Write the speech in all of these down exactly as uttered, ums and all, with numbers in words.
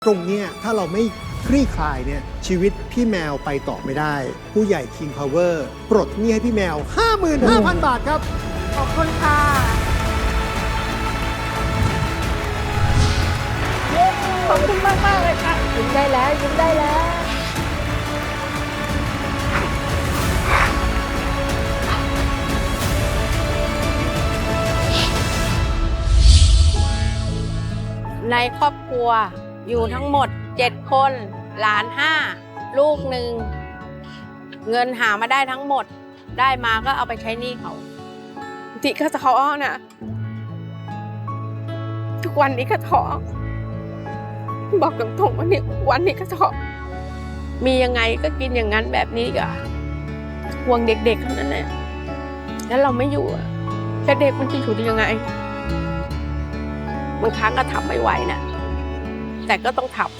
ตรงเนี้ยถ้าเราไม่คลี่คลายเนี่ยชีวิตพี่แมวไปต่อไม่ได้ ผู้ใหญ่ King Power ปลดหนี้ให้พี่แมว ห้าหมื่นห้าพัน บาทครับขอบคุณค่ะขอบคุณมากมากเลยค่ะยิ้มได้แล้วยิ้มได้แล้วในครอบครัวอยู่ทั้งหมดเจ็ดคนหลานห้าลูกหนึ่งเงินหามาได้ทั้งหมดได้มาก็เอาไปใช้หนี้เขาที่ก็ท้อนะทุกวันนี้ก็ท้อบอกตรงๆว่าเนี่ยวันนี้ก็ท้อมียังไงก็กินอย่างนั้นแบบนี้ก็ห่วงเด็กๆเท่านั้นแหละแล้วเราไม่อยู่อะแล้วเด็กมันจะอยู่ได้ยังไงบางครั้งก็ทำไม่ไหวนะแต่ก็ต้องทำ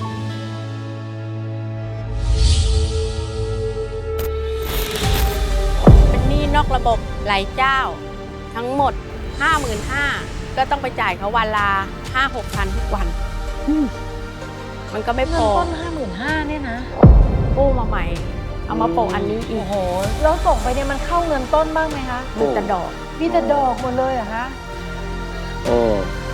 เป็นหนี้นอกระบบหลายเจ้าทั้งหมด ห้าหมื่นห้าพัน ก็ต้องไปจ่ายเขาวันละ ห้าหกพัน ทุกวันมันก็ไม่พเงินอต้น ห้าหมื่นห้าพัน เนี่ยนะกู้มาใหม่ เอามาโปะอันนี้อีโอ้กโหแล้วส่งไปเนี่ยมันเข้าเงินต้นบ้างไหมคะมีแต่ดอกมีแต่ดอกหมดเลยเหรอคะโอ้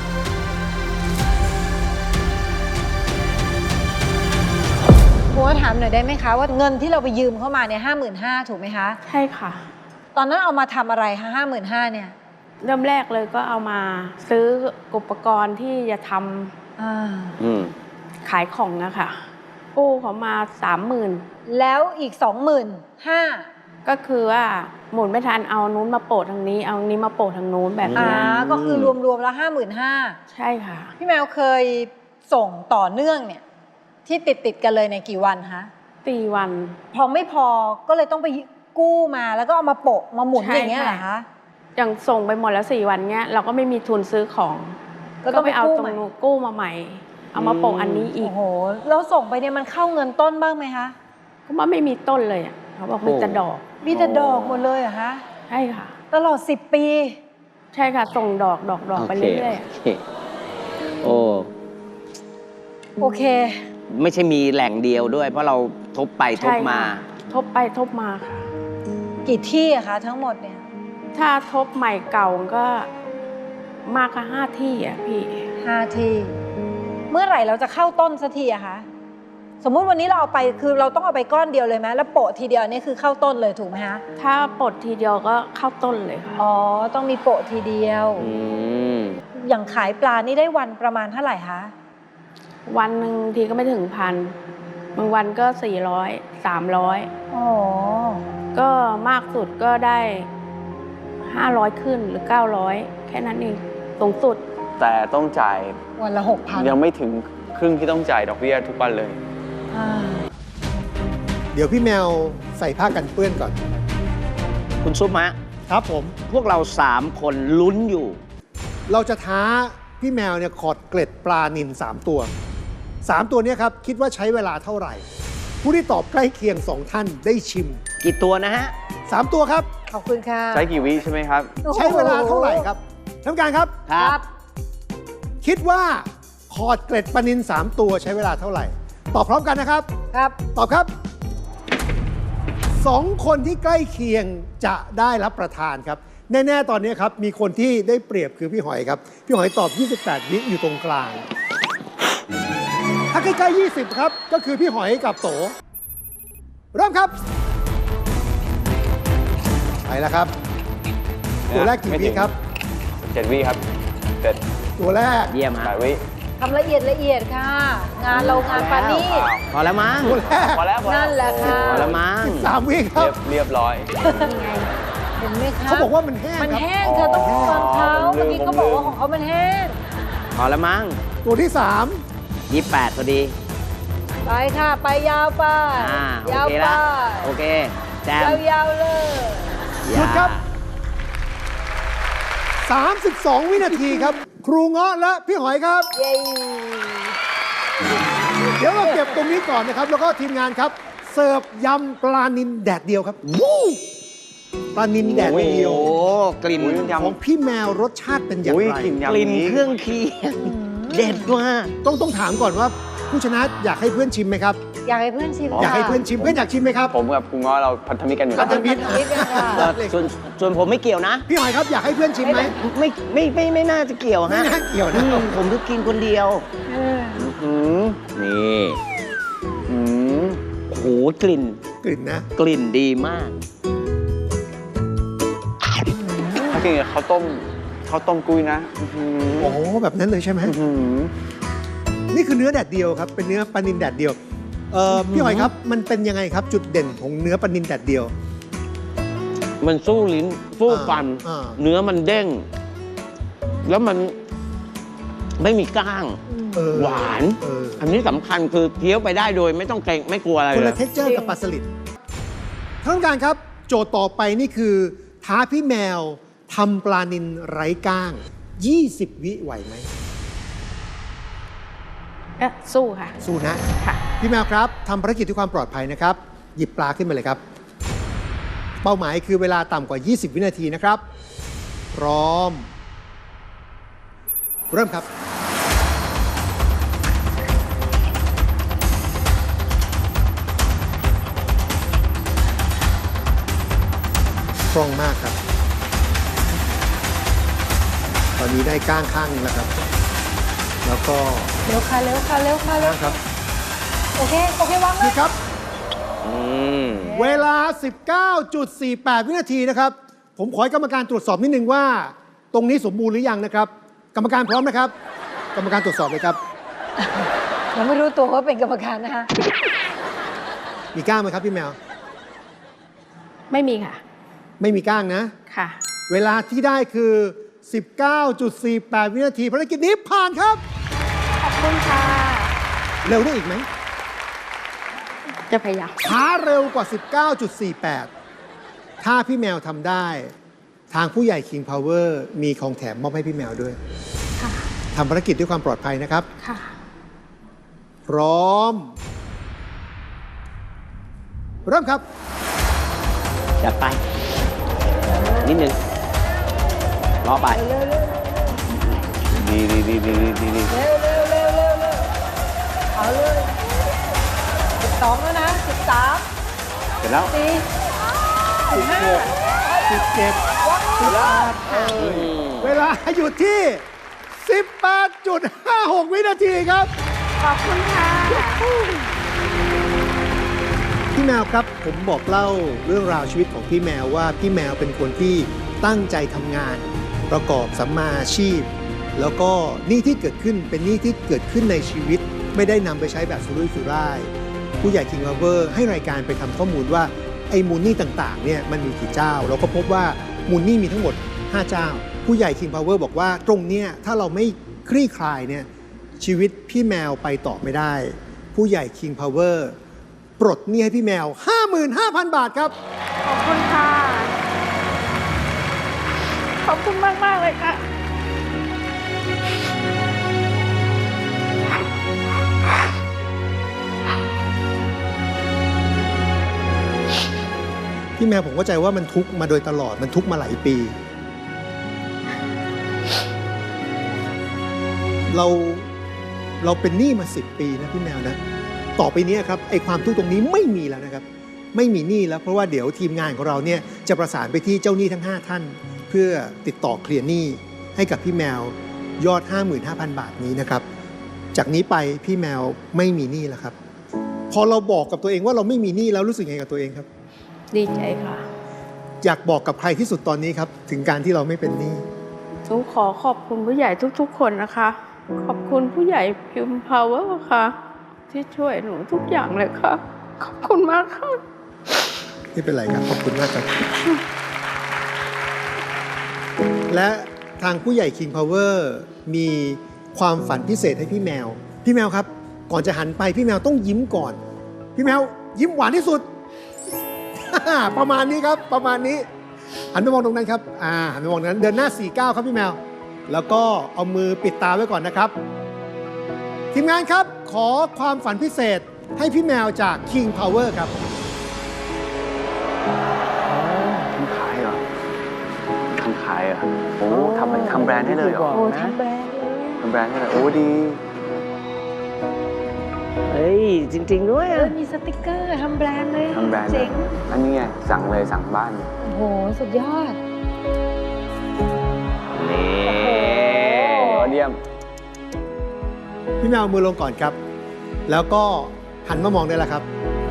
ผมว่าถามหน่อยได้ไหมคะว่าเงินที่เราไปยืมเข้ามาเนี่ยห้าหมื่นห้าถูกไหมคะใช่ค่ะตอนนั้นเอามาทำอะไรคะห้าหมื่นห้าเนี่ยเริ่มแรกเลยก็เอามาซื้ออุปกรณ์ที่จะทอ่าอืมำขายของนะคะกู้เขามาสามหมื่นแล้วอีกสองหมื่นห้าก็คือว่าหมุนไม่ทันเอานู้นมาโปะทางนี้เอานี้มาโปะทางนู้นแบบอ่านี้ก็คือรวมๆแล้วห้าหมื่นห้าใช่ค่ะพี่แมวเคยส่งต่อเนื่องเนี่ยที่ติดติดๆกันเลยในกี่วันคะตีวันพอไม่พอก็เลยต้องไปกู้มาแล้วก็เอามาโปะมาหมุนใช่อย่างเงี้ยเหรอค่ะคะอย่างส่งไปหมดแล้วสี่วันเนี้ยเราก็ไม่มีทุนซื้อของก็ต้องไปเอาไปกู้ตรงใหม่นู้นกู้มาใหม่ เอามาโปะอันนี้อีโอ้กโหแล้วส่งไปเนี่ยมันเข้าเงินต้นบ้างไหมคะก็ว่าไม่มีต้นเลยอ่ะเขาบอกมีแต่ดอกมีแต่ดอกหมดเลยเหรอคะใช่ค่ะตลอดสิบปีใช่ค่ะ ส่งดอกดอกดอกไปโอเคเรื่อยโอเคโอ้โอเคไม่ใช่มีแหล่งเดียวด้วย เพราะเราทบไปๆทใช่บมาค่ะทบไปทบมาค่ะกี่ที่อะคะทั้งหมดเนี่ยถ้าทบใหม่เก่าก็มากกว่าห้าที่อ่ะพี่ห้าที่ เมื่อไหร่เราจะเข้าต้นสักทีอะคะ สมมุติวันนี้เราเอาไปคือเราต้องเอาไปก้อนเดียวเลยไหมแล้วโปะทีเดียวนี่คือเข้าต้นเลยถูกไหมคะถ้าปลดทีเดียวก็เข้าต้นเลยค่ะอ๋อ ต้องมีโปะทีเดียวอืมอย่างขายปลานี่ได้วันประมาณเท่าไหร่คะวันหนึ่งทีก็ไม่ถึงพันบางวันก็สี่ร้อยสามร้อยอ๋อก็มากสุดก็ได้ห้าร้อยขึ้นหรือเก้าร้อยแค่นั้นเองสูงสุดแต่ต้องจ่ายวันละหกพันยังไม่ถึงครึ่งที่ต้องจ่ายดอกเบี้ยทุกวันเลยอ่าเดี๋ยวพี่แมวใส่ผ้ากันเปื้อนก่อนคุณซุปมะครับผมพวกเราสามคนลุ้นอยู่เราจะท้าพี่แมวเนี่ยขอดเกล็ดปลานิลสามตัวสามตัวเนี้ครับคิดว่าใช้เวลาเท่าไหร่ ผู้ที่ตอบใกล้เคียงสองท่านได้ชิมกี่ตัวนะฮะสามตัวครับขอบคุณค่ะใช้กี่วิใช่ไหมครับใช้เวลาเท่าไหร่ครับท่านผู้การครับครับคิดว่าขอดเกล็ดปลานิลสามตัวใช้เวลาเท่าไหร่ ตอบพร้อมกันนะครับครับตอบครับสองคนที่ใกล้เคียงจะได้รับประทานครับ แน่ ๆ ตอนนี้ครับ มีคนที่ได้เปรียบคือพี่หอยครับ พี่หอยตอบ ยี่สิบแปด วิอยู่ตรงกลาง ถ้าใกล้ๆ ยี่สิบ ครับ ก็คือพี่หอยกับโต เริ่มครับ ไปแล้วครับ ตัวแรกกี่ไม่วิถึงครับเจ็ดวิครับเจ็ดตัวแรกเยี่ยมแปฮะดวิทำละเอียดละเอียดค่ะ งานเรางานปานี่พอแล้วมั้งตัวแรกพอแล้วพอแล้วนั่นแหละค่ะพอแล้วมั้งสิบสาม วิครัเรีบยบเรียบร้อยเห็นไหมคะเขาบอกว่ามันแห้งมันครับแห้งเธอต้องฟังเขาอ๋อเมื่อกี้เขาบอกว่าของเขามันแห้งพอแล้วมั้งตัวที่สามยี่สิบแปดพอดีไปค่ะ ไปยาวไปอ่า โอยาวเคไปละโอเค แจมยาวๆเลยหยุดครับ สามสิบสอง วินาทีครับ ครูเงาะและพี่หอยครับเย้เดี๋ยวเราเก็บตรงนี้ก่อนนะครับ แล้วก็ทีมงานครับ เสิร์ฟยำปลานิลแดดเดียวครับวู้ปลานิลแดดเดียวโอ้กลิ่นอุ๊ยยำของพี่แมวรสชาติเป็นอย่างอุ้ยไรกลิ่นกยำลิ่นนี้เครื่องเคียงเด็ดมากต้องต้องถามก่อนว่าผู้ชนะอยากให้เพื่อนชิมไหมครับอยากให้เพื่อนชิมอยากให้เพื่อนชิมเพื่อนอยากชิมไหมครับผมกับคุณง้อเราพันธมิตรกันอยู่พัแล้นวธมิตรนิดนึงค่ะเอ่อส่วนส่วนผมไม่เกี่ยวนะพี่หอยครับอยากให้เพื่อนชิมไหมไม่ไม่ไม่ไม่น่าจะเกี่ยวไม่ฮะน่าเกี่ยวอืนะมผมก็กินคนเดียวเอออืมนี่อืมโอ้โหกลิ่นกลิ่นนะกลิ่นดีมากถ้ากินกับข้าวต้มข้าวต้มกุ้ยนะอื้อหือโอ้แบบนั้นเลยใช่ไหมอื้อหือนี่คือเนื้อแดดเดียวครับเป็นเนื้อปลานิลแดดเดียวเอ่อพี่หอยครับมันเป็นยังไงครับจุดเด่นของเนื้อปลานิลแดดเดียวมันสู้ลิ้นสู้ฟันอ่าเนื้อมันเด้ง แล้วมันไม่มีก้างเออหวานเอออันนี้สำคัญคือเคี้ยวไปได้โดยไม่ต้องเกรงไม่กลัวอะไรคนเลละยเท็กเจอร์กับปลาสลิดท่านผู้การครับ โจทย์ต่อไปนี่คือ ท้าพี่แมวทำปลานิลไร้ก้าง ยี่สิบ วิไหวไหมเอ๊ะสู้ค่ะสู้นะค่ะพี่แมวครับทำภารกิจด้วยความปลอดภัยนะครับ หยิบปลาขึ้นมาเลยครับ เป้าหมายคือเวลาต่ำกว่า ยี่สิบ วินาทีนะครับ พร้อม เริ่มครับ คล่องมากครับ ตอนนี้ได้ก้างข้างหนึงแล้วครับ แล้วก็เร็วค่ะเร็วค่ะเร็วค่ะเร็วครับโอเคโอเควางเลนี่ยครับอืมเวลา สิบเก้าจุดสี่แปด วินาทีนะครับ ผมขอให้กรรมการตรวจสอบนิดนึงว่า ตรงนี้สมบูรณ์หรือยังนะครับ กรรมการพร้อมนะครับ กรรมการตรวจสอบเลยครับยังไม่รู้ตัวว่าเป็นกรรมการนะคะมีก้างไหมครับพี่แมวไม่มีค่ะไม่มีก้างนะค่ะเวลาที่ได้คือ สิบเก้าจุดสี่แปด วินาทีภารกิจนี้ผ่านครับขอบคุณค่ะเร็วได้อีกไหมจะพยายามช้าเร็วกว่า สิบเก้าจุดสี่แปด ถ้าพี่แมวทำได้ ทางผู้ใหญ่ King Power มีของแถมมอบให้พี่แมวด้วยค่ะทำภารกิจด้วยความปลอดภัยนะครับค่ะพร้อม เริ่มครับจัดไป นิดนึงรอไปดีดีดีดีดีดีดีเร็วเร็วเร็วเร็วเร็วเอาเลยสิบสองแล้วนะสิบสามเสร็จแล้วสี่สิบห้าสิบเจ็ด สิบแปดเออเวลาอยู่ที่ สิบแปดจุดห้าหก วินาทีครับขอบคุณค่ะพี่แมวครับ ผมบอกเล่าเรื่องราวชีวิตของพี่แมวว่าพี่แมวเป็นคนที่ตั้งใจทำงาน ประกอบสัมมาอาชีพ แล้วก็หนี้ที่เกิดขึ้นเป็นหนี้ที่เกิดขึ้นในชีวิต ไม่ได้นำไปใช้แบบสุรุ่ยสุร่าย ผู้ใหญ่ King Power ให้รายการไปทำข้อมูลว่าไอ้มูลหนี้ต่างๆเนี่ยมันมีกี่เจ้า เราก็พบว่ามูลหนี้มีทั้งหมด ห้า เจ้า ผู้ใหญ่ King Power บอกว่าตรงเนี้ยถ้าเราไม่คลี่คลายเนี่ยชีวิตพี่แมวไปต่อไม่ได้ ผู้ใหญ่ King Power ปลดหนี้ให้พี่แมว ห้าหมื่นห้าพัน บาทครับขอบคุณค่ะ ขอบคุณมากมากๆเลยค่ะพี่แมวผมเข้าใจว่ามันทุกข์มาโดยตลอดมันทุกข์มาหลายปี เราเราเป็นหนี้มาสิบปีนะพี่แมวนะ ต่อไปเนี้ยครับไอ้ความทุกข์ตรงนี้ไม่มีแล้วนะครับ ไม่มีหนี้แล้วเพราะว่าเดี๋ยวทีมงานของเราเนี่ยจะประสานไปที่เจ้าหนี้ทั้งห้าท่าน เพื่อติดต่อเคลียร์หนี้ให้กับพี่แมวยอด ห้าหมื่นห้าพัน บาทนี้นะครับ จากนี้ไปพี่แมวไม่มีหนี้แล้วครับ พอเราบอกกับตัวเองว่าเราไม่มีหนี้แล้วรู้สึกยังไงกับตัวเองครับดีใจค่ะอยากบอกกับใครที่สุดตอนนี้ครับ ถึงการที่เราไม่เป็นหนี้หนูขอขอบคุณผู้ใหญ่ทุกๆ คนนะคะ ขอบคุณผู้ใหญ่พิมพ์พาวเวอร์ค่ะ ที่ช่วยหนูทุกอย่างเลยค่ะ ขอบคุณมากค่ะไม่เป็นไรครับ ขอบคุณมากครับ และทางผู้ใหญ่ King Power มีความฝันพิเศษให้พี่แมว พี่แมวครับ ก่อนจะหันไปพี่แมวต้องยิ้มก่อน พี่แมวยิ้มหวานที่สุด ประมาณนี้ครับ ประมาณนี้ หันไปมองตรงนั้นครับ อ่า หันไปมองตรงนั้น เดินหน้า สี่เก้า ครับพี่แมว แล้วก็เอามือปิดตาไว้ก่อนนะครับ ทีมงานครับ ขอความฝันพิเศษให้พี่แมวจาก King Power ครับทำขายเหรอทำขายเหรอโอ้ทำเป็นทำแบรนด์ให้เลยเหรอโอ้ทำแบรนด์เลยทำแบรนด์ให้เลยโอ้ดีจริง ๆ ด้วยเออะอมีสติกเกอร์ทำแบรนด์เลยทำแบรนด์เจ๋งอันนี้ไง สั่งเลยสั่งบ้านโอ้โห สุดยอดนี่ยอดเยี่ยมพี่แมวเอามือลงก่อนครับ แล้วก็หันมามองได้แล้วครับ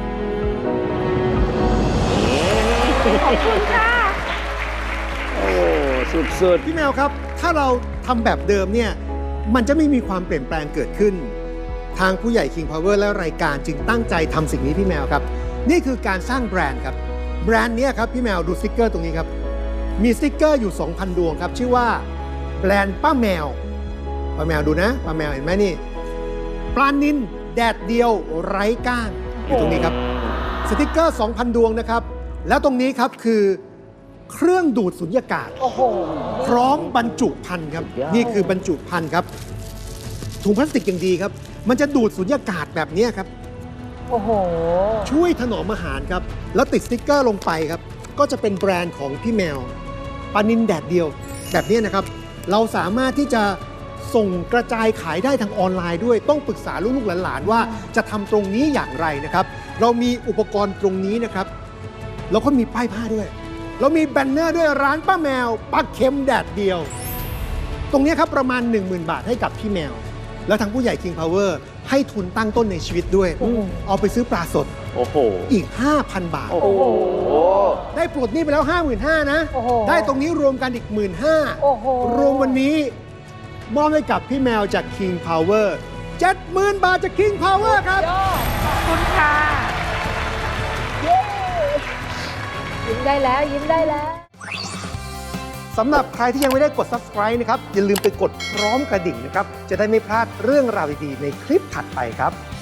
ขอบคุณค่ะโอ้สุดพี่แมวครับ ถ้าเราทำแบบเดิมเนี่ย มันจะไม่มีความเปลี่ยนแปลงเกิดขึ้น ทางผู้ใหญ่ King Power และรายการจึงตั้งใจทำสิ่งนี้พี่แมวครับ นี่คือการสร้างแบรนด์ครับ แบรนด์เนี้ยครับพี่แมวดูสติกเกอร์ตรงนี้ครับ มีสติกเกอร์อยู่ สองพัน ดวงครับ ชื่อว่าแบรนด์ป้าแมว ป้าแมวดูนะ ป้าแมวเห็นไหมนี่ ปลานินแดดเดียวไร้ก้างอยู่ตรงนี้ครับ สติกเกอร์ สองพัน ดวงนะครับ แล้วตรงนี้ครับคือเครื่องดูดสุญญากาศโอ้โหพร้อมบรรจุภัณฑ์ครับ นี่คือบรรจุภัณฑ์ครับ ถุงพลาสติกอย่างดีครับ มันจะดูดสุญญากาศแบบนี้ครับโอ้โหช่วยถนอมอาหารครับ แล้วติดสติ๊กเกอร์ลงไปครับ ก็จะเป็นแบรนด์ของพี่แมวปลานินแดดเดียวแบบนี้นะครับ เราสามารถที่จะส่งกระจายขายได้ทางออนไลน์ด้วย ต้องปรึกษาลูกๆหลานๆว่าจะทำตรงนี้อย่างไรนะครับ เรามีอุปกรณ์ตรงนี้นะครับแล้วก็มีป้ายผ้าด้วย เรามีแบนเนอร์ด้วยร้านป้าแมวปลาเค็มแดดเดียว ตรงนี้ครับประมาณ หนึ่งหมื่น บาทให้กับพี่แมว แล้วทางผู้ใหญ่ King Power ให้ทุนตั้งต้นในชีวิตด้วยโอ้โหเอาไปซื้อปลาสดโอ้โหอีก ห้าพัน บาทโอ้โหได้ปลดหนี้ไปแล้ว ห้าหมื่นห้าพัน นะโอ้โหได้ตรงนี้รวมกันอีก หนึ่งหมื่นห้าพันโอ้โหรวมวันนี้ มอบให้กับพี่แมวจาก King Power เจ็ดหมื่น บาทจาก King Power ครับยอดขอบคุณค่ะเย้ยิ้มได้แล้ว ยิ้มได้แล้วสำหรับใครที่ยังไม่ได้กด Subscribe นะครับ อย่าลืมไปกดพร้อมกระดิ่งนะครับ จะได้ไม่พลาดเรื่องราวดีๆในคลิปถัดไปครับ